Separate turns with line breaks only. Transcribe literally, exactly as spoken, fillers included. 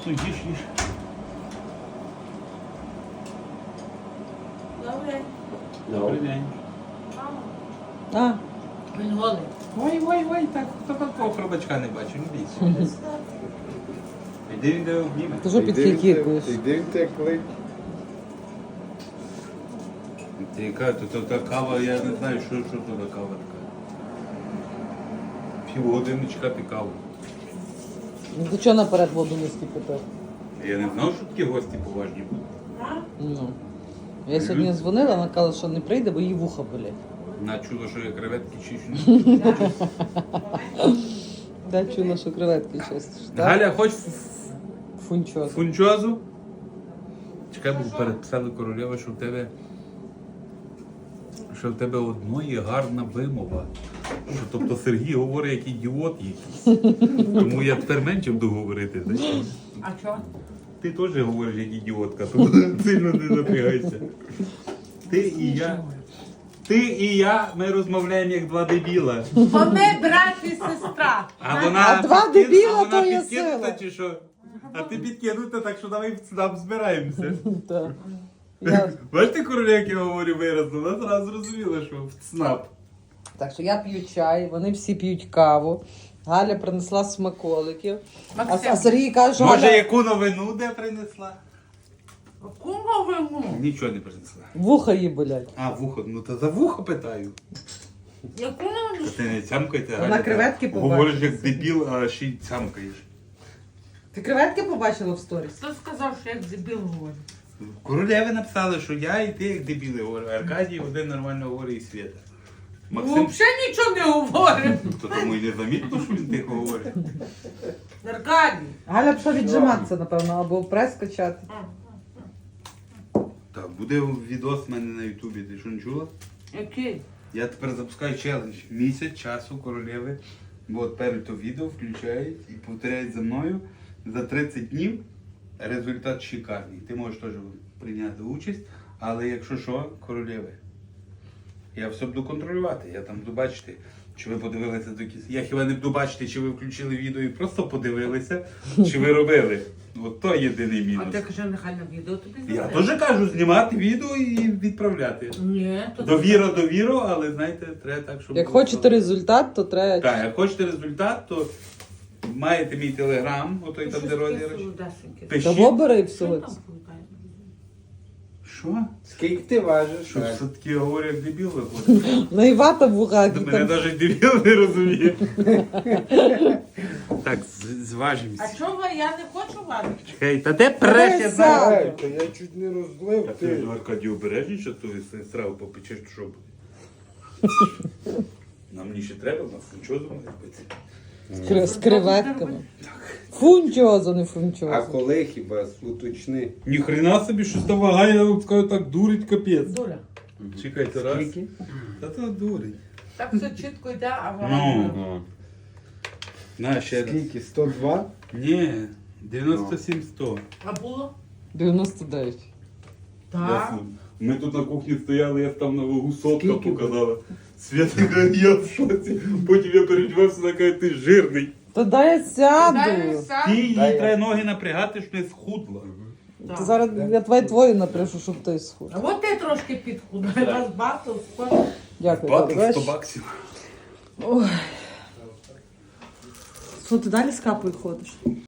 Ну, їж, їж.
Добре.
Добрий день.
А,
Він голий.
Ой, ой, ой, так, хто такого хробачка не бачив, не бійся. Іди, іди, обніме.
ти що підхікікуєш?
Іди в те клик.
Ти яка, то, то, та кава, я не знаю, що, що то за кава така. Півгодини чекати каву.
Ну ти чого наперед воду не скипятив?
Я не знав, що такі гості поважні будуть.
Ну. Я сьогодні дзвонила, вона казала, що не прийде, бо її вуха болять.
На чудо, що я креветки чищу.
Та чула, що креветки чистиш, так?
Галя, хоч
Фунчоз.
фунчозу? Чекай, бо переписали королева, що в тебе що в тебе одної гарна вимова. Що, тобто Сергій говорить як ідіот якийсь. Тому я тепер менше буду говорити. Знаєш?
А що?
Ти теж говориш як ідіотка, тому сильно не напрягайся. Ти і я. Ти і я, ми розмовляємо як два дебіла.
Бо ми брат і сестра.
А вона
А два
підкин-
дебіла,
а вона
то є
підкинута
сила.
чи що? А ти підкинута, так що давай нам збираємося.
Так. Я...
Бачите, короля, як я говорю виразно, вона зразу зрозуміла, що в ЦНАП.
Так що я п'ю чай, вони всі п'ють каву. Галя принесла смаколиків. А,
Максим.
а Сергій каже, що
Може,
Галя...
яку новину де принесла?
Кому виму?
Нічого не принесла.
вуха їй болять.
А, вухо, ну то за вухо питаю.
Яку новину?
Ти не цямкайте,
Вона
Галя,
креветки
так.
побачила.
Говориш як дебіл, а ще й цямкаєш.
Ти креветки побачила в сторіс?
Хто сказав, що як дебіл говорить?
Королеви написали, що я і ти як дебіли говорю. Аркадій один нормально говорить і Свята. Максим,
Взагалі нічого не говорить.
то тому й не замітно, що він тихо говорить.
Аркадій.
Галя пішла віджиматися, напевно, або прес качати.
Так, буде відос в мене на Ютубі, ти що не чула?
Який?
Я тепер запускаю челендж. Місяць часу королеви. Бо от перед то відео включають і повторяють за мною. За тридцять днів результат шикарний. Ти можеш теж прийняти участь, але якщо що, королеви. Я все буду контролювати, я там буду бачити, чи ви подивилися до кінця. Я хіба не буду бачити, чи ви включили відео і просто подивилися, чи ви робили. От то єдиний
А
мінус.
ти кажи, нехай на відео тобі
Я
зробить.
теж кажу, знімати відео і відправляти.
Ні, то
Довіра, довіру, але знаєте, треба так, щоб...
Як
було
хочете
просто.
результат, то треба...
Так, як хочете результат, то маєте мій телеграм, отой там, де розіграш. Пишіть.
Того бери
Що
всього.
там плутає?
Що?
Скільки ти важиш?
Що
Так.
все-таки я говорю, як дебіл виходить?
Наївата в вухах.
Мене
там-
навіть дебіл не розуміє. Так, з- зважимося.
А чого я не хочу варити?
Чекай, та де преш, я
Дивися.
знаю.
Ай, то я чуть не розлив.
А ти
Ти.
ж Аркадій обережніше, то ти страву попечеш, то що буде? Нам мені ще треба, на фунчозу має бути.
З кре- З креветками. Фунчозо, не
А
фунчозо.
коли хіба уточни?
Ніхрена собі, що та вага, я вам скажу, так дурить капець.
Дуля.
Чекайте, раз.
Скільки?
Та то дурить.
Так все чітко йде, а
Ну.
вона...
На, ще раз.
Скільки? сто два?
Ні, дев'яносто сім сто.
А було?
дев'яносто дев'ять.
Так.
Ми тут на кухні стояли, я там на вагу сотка
Скільки
показала. Свята каже, я в шоці. Потім я передівався, вона каже, ти жирний.
Та дай я
Дай
сяду.
сам.
Ти їй
Дай я.
треба ноги напрягати, щоб не схудла.
Так.
Ти зараз я твої твої напишу, щоб ти схуд.
А от ти трошки підхудай, вас батл, скоро.
Дякую.
Батл
Бачиш?
сто баксів.
Ой. Що, ти далі з капою ходиш?